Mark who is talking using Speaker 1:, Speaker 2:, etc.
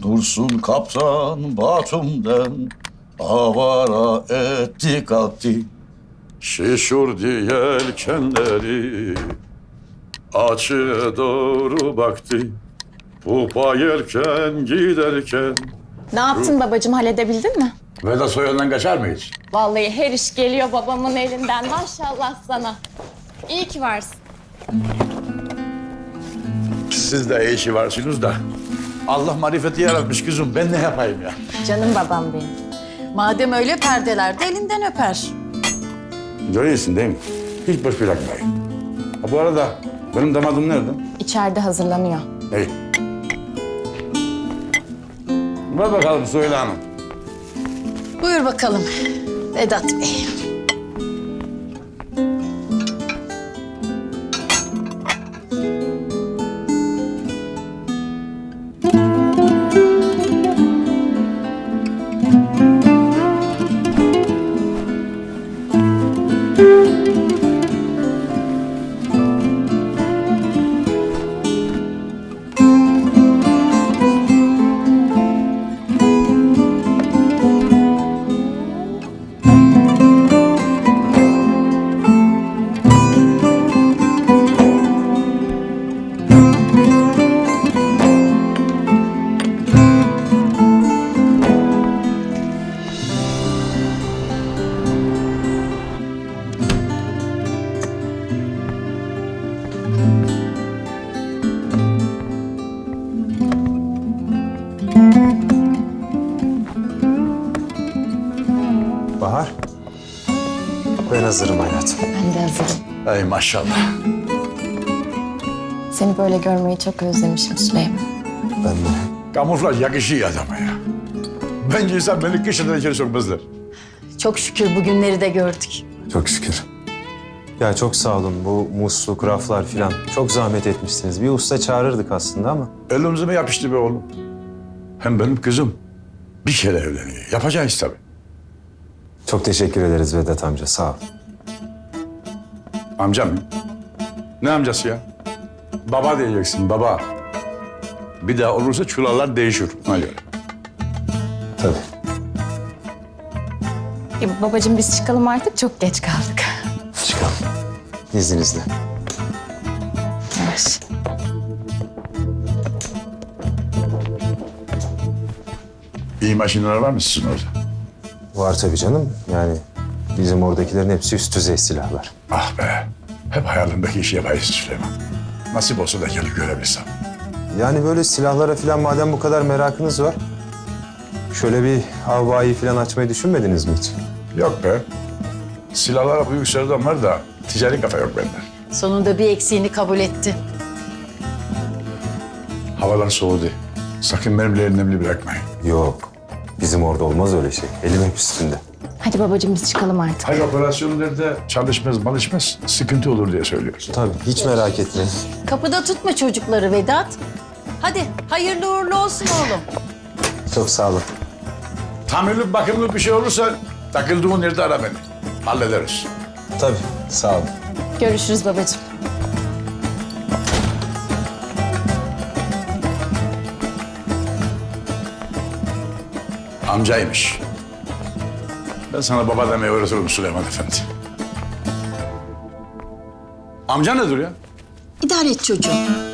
Speaker 1: Dursun kaptan Batum'den avara etti kalktı. Şişurdu yelkenleri, açığa doğru baktı. Pupa yelken giderken.
Speaker 2: Ne yaptın babacığım, halledebildin mi?
Speaker 1: Vedat soyundan kaçar mı hiç?
Speaker 2: Vallahi her iş geliyor babamın elinden, maşallah sana. İyi ki varsın.
Speaker 1: Siz de iyi işi varsınız da. Allah marifeti yaratmış kızım. Ben ne yapayım ya?
Speaker 2: Canım babam benim.
Speaker 3: Madem öyle perdeler de elinden öper.
Speaker 1: Görüyorsun değil mi? Hiç boş bırakmayın. Ha, bu arada benim damadım nerede?
Speaker 2: İçeride hazırlanıyor.
Speaker 1: İyi. Ver bakalım Süheyla Hanım.
Speaker 3: Buyur bakalım Vedat Bey.
Speaker 4: Bahar. Ben hazırım hayatım.
Speaker 2: Ben de hazırım.
Speaker 1: Ey maşallah.
Speaker 2: Seni böyle görmeyi çok özlemişim Süleyman.
Speaker 4: Ben de.
Speaker 1: Kamuflaj yakışıyor adama ya. Bence insan beni kışından içeri sokmazlar.
Speaker 3: Çok şükür bugünleri de gördük.
Speaker 4: Çok şükür. Ya çok sağ olun. Bu musluk, raflar filan. Çok zahmet etmişsiniz. Bir usta çağırırdık aslında ama.
Speaker 1: Elimize mi yapıştı be oğlum? Hem benim kızım bir kere evleniyor. Yapacağız tabii.
Speaker 4: Çok teşekkür ederiz Vedat amca. Sağ ol.
Speaker 1: Amcam mı? Ne amcası ya? Baba diyeceksin, baba. Bir daha olursa çulallar değişir. Ona göre.
Speaker 4: Tabii.
Speaker 2: Babacığım biz çıkalım artık, çok geç kaldık.
Speaker 4: Çıkalım. İzninizle.
Speaker 2: Yavaş.
Speaker 1: İyi makineler var mı sizin orada?
Speaker 4: Var tabii canım. Yani bizim oradakilerin hepsi üst düzey silahlar.
Speaker 1: Ah be. Hep hayalimdeki işi yapayız Süleyman. Nasip olsa da gelip görebilsem.
Speaker 4: Yani böyle silahlara filan madem bu kadar merakınız var... ...şöyle bir havayı filan açmayı düşünmediniz mi hiç?
Speaker 1: Yok be. Silahlara büyük sevdam var da ticari kafa yok bende.
Speaker 3: Sonunda bir eksiğini kabul etti.
Speaker 1: Havalar soğudu. Sakın benimle elimle bırakmayın.
Speaker 4: Yok. Bizim orada olmaz öyle şey. Elim hep üstünde.
Speaker 2: Hadi babacığım biz çıkalım artık.
Speaker 1: Hayır operasyonlarda çalışmaz, malışmaz, sıkıntı olur diye söylüyoruz.
Speaker 4: Tabii. Hiç merak etmeyin.
Speaker 3: Kapıda tutma çocukları Vedat. Hadi hayırlı uğurlu olsun oğlum.
Speaker 4: Çok sağ olun.
Speaker 1: Tamirli bakımlı bir şey olursa takıldığın yerde ara beni. Hallederiz.
Speaker 4: Tabii. Sağ olun.
Speaker 2: Görüşürüz babacığım.
Speaker 1: Amcaymış. Ben sana baba demeyi öğretirim Süleyman Efendi. Amca nedir ya?
Speaker 3: İdare et çocuğum.